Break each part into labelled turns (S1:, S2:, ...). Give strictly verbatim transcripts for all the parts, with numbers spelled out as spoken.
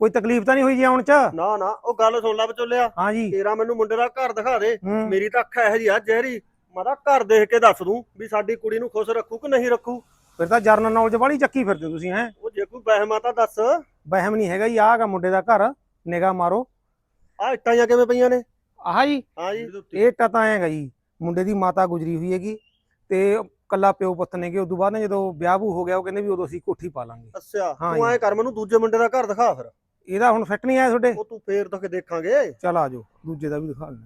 S1: ਕੋਈ ਤਕਲੀਫ ਤਾਂ ਨਹੀਂ ਹੋਈ ਜੀ ਆਉਣ ਚ?
S2: ਨਾ ਨਾ ਉਹ ਗੱਲ ਸੁਣ ਲੈ ਵਿਚੋਲਿਆ।
S1: ਹਾਂ ਜੀ।
S2: ਤੇਰਾ ਮੈਨੂੰ ਮੁੰਡੇ ਦਾ ਘਰ ਦਿਖਾ ਦੇ।
S1: ਹੂੰ।
S2: ਮੇਰੀ ਤਾਂ ਅੱਖ ਇਹੋ ਜੀ ਆ ਜ਼ਹਿਰੀ, ਮੈਂ ਤਾਂ ਘਰ ਦੇਖ ਕੇ ਦੱਸ ਦੂੰ ਵੀ ਸਾਡੀ ਕੁੜੀ ਨੂੰ ਖੁਸ਼ ਰੱਖੂ ਕਿ ਨਹੀਂ ਰੱਖੂ।
S1: ਫਿਰ ਤਾਂ ਜਰਨਲ ਨੌਲੇਜ ਵਾਲੀ ਚੱਕੀ ਫਿਰਦੇ ਹੋ ਤੁਸੀਂ। ਹੈ
S2: ਉਹ ਜੇ ਕੋਈ ਵਹਿਮ ਆ ਤਾਂ ਦੱਸ।
S1: ਵਹਿਮ ਨਹੀਂ ਹੈਗਾ ਜੀ, ਆਹ ਹੈਗਾ ਮੁੰਡੇ ਦਾ ਘਰ, ਨਿਗਾਹ ਮਾਰੋ।
S2: ਆ ਇੱਟਾਂ ਜਾਂ ਕਿਵੇਂ ਪਈਆਂ ਨੇ?
S1: ਆਹ ਜੀ
S2: ਹਾਂ ਜੀ।
S1: ਇਹ ਤਾਂ ਤਾਂ ਹੈਗਾ ਜੀ, ਮੁੰਡੇ ਦੀ ਮਾਤਾ ਗੁਜਰੀ ਹੋਈ ਹੈਗੀ ਤੇ ਕੱਲਾ ਪਿਓ ਪੁੱਤ ਨੇਗੇ। ਉਦੋਂ ਬਾਅਦ ਨਾ ਜਦੋਂ ਵਿਆਹ ਵੂ ਹੋ ਗਿਆ ਉਹ ਕਹਿੰਦੇ ਵੀ ਉਦੋਂ ਅਸੀਂ ਕੋਠੀ ਪਾ ਲਾਂਗੇ।
S2: ਅੱਛਾ
S1: ਹਾਂ
S2: ਤੂੰ
S1: ਜੀ।
S2: ਐਂ ਕਰ ਮੈਨੂੰ ਦੂਜੇ ਮੁੰਡੇ ਦਾ ਘਰ ਦਿਖਾ ਫਿਰ।
S1: ਇਹਦਾ ਹੁਣ ਫਿੱਟ ਨਹੀਂ ਆਇਆ ਤੁਹਾਡੇ?
S2: ਉਹ ਤੂੰ ਫੇਰ ਤੱਕ ਦੇਖਾਂਗੇ।
S1: ਚੱਲ ਆ ਜਾਓ, ਦੂਜੇ ਦਾ ਵੀ ਦਿਖਾ ਲੈਣਾ।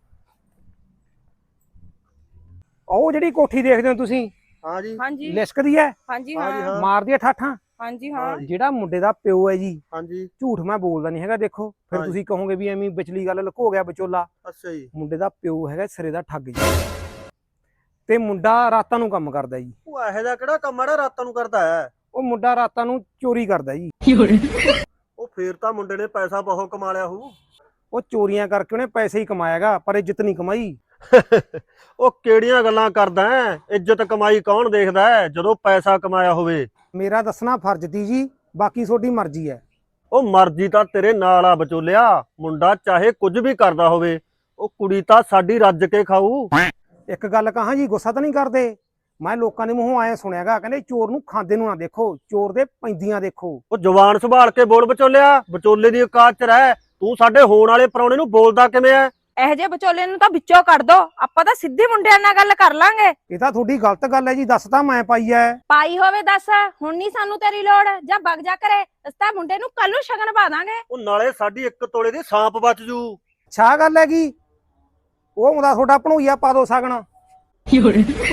S1: ਉਹ ਜਿਹੜੀ ਕੋਠੀ ਦੇਖਦੇ ਹੋ ਤੁਸੀਂ,
S2: ਹਾਂ ਜੀ।
S3: ਹਾਂਜੀ
S1: ਲਿਸ਼ਕਦੀ ਹੈ,
S3: ਹਾਂਜੀ
S2: ਹਾਂ ਜੀ,
S3: ਹਾਂ
S2: ਹਾਂ।
S1: ਮਾਰਦੀ ਹੈ ਠਾਠਾਂ।
S3: ਹਾਂਜੀ
S2: ਹਾਂ
S3: ਹਾਂ
S2: ਜੀ।
S1: ਜਿਹੜਾ ਮੁੰਡੇ ਦਾ ਪਿਓ ਹੈ ਜੀ,
S2: ਹਾਂਜੀ
S1: ਝੂਠ ਮੈਂ ਬੋਲਦਾ ਨਹੀਂ ਹੈਗਾ। ਦੇਖੋ ਫਿਰ
S2: ਹਾਂ ਜੀ।
S1: ਤੁਸੀਂ ਕਹੋਗੇ ਵੀ ਐਵੇਂ ਵਿਚਲੀ ਗੱਲ ਲੁਕੋ ਗਿਆ ਵਿਚੋਲਾ।
S2: ਅੱਛਾ ਜੀ।
S1: ਮੁੰਡੇ ਦਾ ਪਿਓ ਹੈਗਾ ਸਿਰੇ ਦਾ ਠੱਗ ਜੀ, ਤੇ ਮੁੰਡਾ ਰਾਤਾਂ ਨੂੰ ਕੰਮ ਕਰਦਾ ਜੀ।
S2: ਉਹ ਇਹੋ ਜਿਹਾ ਕਿਹੜਾ ਕੰਮ ਆੜਾ ਰਾਤਾਂ ਨੂੰ ਕਰਦਾ ਹੈ?
S1: ਉਹ ਮੁੰਡਾ ਰਾਤਾਂ ਨੂੰ ਚੋਰੀ ਕਰਦਾ ਜੀ।
S2: ਉਹ ਫੇਰ ਤਾਂ ਮੁੰਡੇ ਨੇ ਪੈਸਾ ਬਹੁਤ ਕਮਾ ਲਿਆ ਹੋਊ।
S1: ਉਹ ਚੋਰੀਆਂ ਕਰਕੇ ਉਹਨੇ ਪੈਸੇ ਹੀ ਕਮਾਇਆਗਾ, ਪਰ ਇੱਜ਼ਤ ਨਹੀਂ ਕਮਾਈ।
S2: ਉਹ ਕਿਹੜੀਆਂ ਗੱਲਾਂ ਕਰਦਾ ਹੈ? ਇੱਜ਼ਤ ਕਮਾਈ ਕੌਣ ਦੇਖਦਾ ਹੈ ਜਦੋਂ ਪੈਸਾ ਕਮਾਇਆ ਹੋਵੇ?
S1: ਮੇਰਾ ਦੱਸਣਾ ਫਰਜ਼ ਤੀ ਜੀ, ਬਾਕੀ ਤੁਹਾਡੀ ਮਰਜ਼ੀ ਹੈ।
S2: ਉਹ ਮਰਜ਼ੀ ਤਾਂ ਤੇਰੇ ਨਾਲ ਆ ਵਿਚੋਲਿਆ। ਮੁੰਡਾ ਚਾਹੇ ਕੁਝ ਵੀ ਕਰਦਾ ਹੋਵੇ, ਉਹ ਕੁੜੀ ਤਾਂ ਸਾਡੀ ਰੱਜ ਕੇ ਖਾਊ।
S1: ਇੱਕ ਗੱਲ ਕਹਾਂ ਜੀ, ਗੁੱਸਾ ਤਾਂ ਨਹੀਂ ਕਰਦੇ? ਮੈਂ ਲੋਕਾਂ ਦੇ ਮੂੰਹੋਂ ਆਏ ਸੁਣਿਆਗਾ, ਕਹਿੰਦੇ ਚੋਰ ਨੂੰ ਖਾਂਦੇ ਨੂੰ ਨਾ ਦੇਖੋ, ਚੋਰ ਦੇ ਪੈਂਦੀਆਂ ਦੇਖੋ।
S2: ਉਹ ਜ਼ੁਬਾਨ ਸੰਭਾਲ ਕੇ ਬੋਲ ਵਿਚੋਲਿਆ, ਵਿਚੋਲੇ ਦੀ ਔਕਾਤ ਚ ਰਹਿ। ਤੂੰ ਸਾਡੇ ਹੋਣ ਵਾਲੇ ਪ੍ਰਾਹੁਣੇ ਨੂੰ ਬੋਲਦਾ ਕਿਵੇਂ ਐ?
S3: ਇਹੋ ਜਿਹੇ ਵਿਚੋਲੇ ਨੂੰ ਤਾਂ ਵਿੱਚੋਂ ਕੱਢ ਦੋ, ਆਪਾਂ ਤਾਂ ਸਿੱਧੀ ਮੁੰਡਿਆਂ ਨਾਲ ਗੱਲ ਕਰ ਲਾਂਗੇ।
S1: ਇਹ ਤਾਂ ਤੁਹਾਡੀ ਗਲਤ ਗੱਲ ਹੈ ਜੀ, ਦੱਸ ਤਾਂ ਮੈਂ ਪਾਈ ਐ।
S3: ਪਾਈ ਹੋਵੇ ਦੱਸ, ਹੁਣ ਨਹੀਂ ਸਾਨੂੰ ਤੇਰੀ ਲੋੜ, ਜਾਂ ਵਗ ਜਾ ਕਰੇ। ਅਸੀਂ ਤਾਂ ਮੁੰਡੇ ਨੂੰ ਕੱਲ ਨੂੰ ਸ਼ਗਨ ਪਾ ਦਾਂਗੇ।
S2: ਉਹ ਨਾਲੇ ਸਾਡੀ ਇੱਕ ਤੋਲੇ ਦੀ ਸਾਂਪ ਬਚ ਜੂ।
S1: ਅੱਛਾ ਗੱਲ ਹੈਗੀ, ਉਹ ਹੁੰਦਾ ਤੁਹਾਡਾ ਭਣੋਈਆ ਪਾ ਦੋ ਸਗਣ। ਕਿਉਂ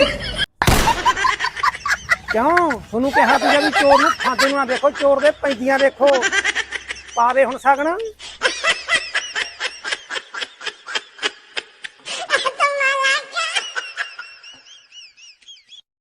S1: ਤੁਹਾਨੂੰ ਕਿਹਾ ਸੀਗਾ ਵੀ ਚੋਰ ਨੂੰ ਖਾਂਦੇ ਨੂੰ ਨਾ ਦੇਖੋ, ਚੋਰ ਦੇ ਪੈਂਦੀਆਂ ਦੇਖੋ। ਪਾ ਦੇ ਹੁਣ ਸਗਣ।